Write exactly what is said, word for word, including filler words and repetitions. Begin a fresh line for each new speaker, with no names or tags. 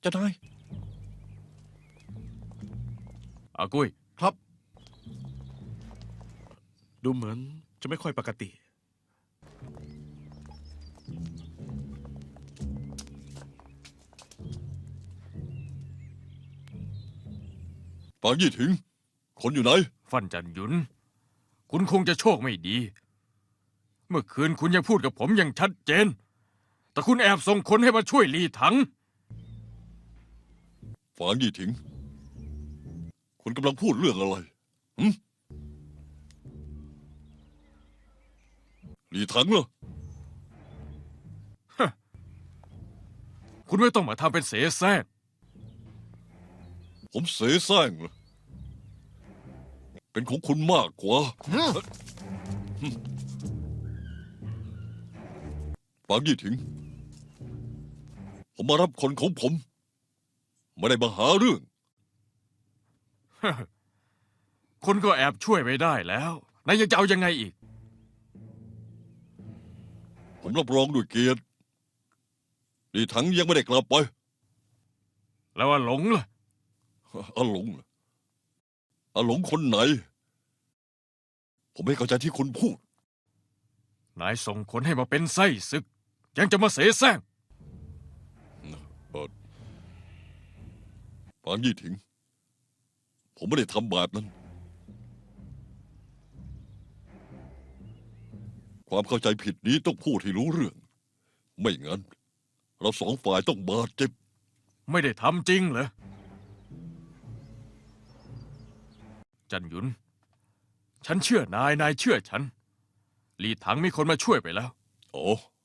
จ้านาย
อากุ้ย
ครับดูเหมือนจะไม่ค่อยปกติ
ปางยี่ถิงคนอยู่ไหน
ฟันจันหยุนคุณคงจะโชคไม่ดี เมื่อคืนคุณยังพูดกับผมอย่างชัดเจน แต่คุณแอบส่งคนให้มาช่วยลีถัง
ฝางยี่ถิงคุณกำลังพูดเรื่องอะไรหืมหลีถังเหรอ
คุณไม่ต้องมาทำเป็นเสแสร้ง
ผมเสแสร้งเหรอเป็นของคุณมากกว่าฝางยี่ถิงผมมารับคนของผมไม่ได้มาหาเรื่อง
คนก็แอบช่วยไปได้แล้วนายยังจะเอายังไงอีก
ผมรับรองด้วยเกียรติหลีถังยังไม่ได้กลับไป
แล้วว่าหลงล่ะ
อาหลงเหรออาหลงคนไหน ผมไม่เข้าใจที่คุณพูด
นายส่งคนให้มาเป็นไส้ศึก ยังจะมาเสแสร้ง
เออปางยี่ถิง ผมไม่ได้ทำแบบนั้น ความเข้าใจผิดนี้ต้องพูดให้รู้เรื่อง ไม่งั้น เราสองฝ่ายต้องบาดเจ็บ
ไม่ได้ทำจริงเหรอ จันหยุน ฉันเชื่อนาย นายเชื่อฉัน ลีถังมีคนมาช่วยไปแล้ว
โอ้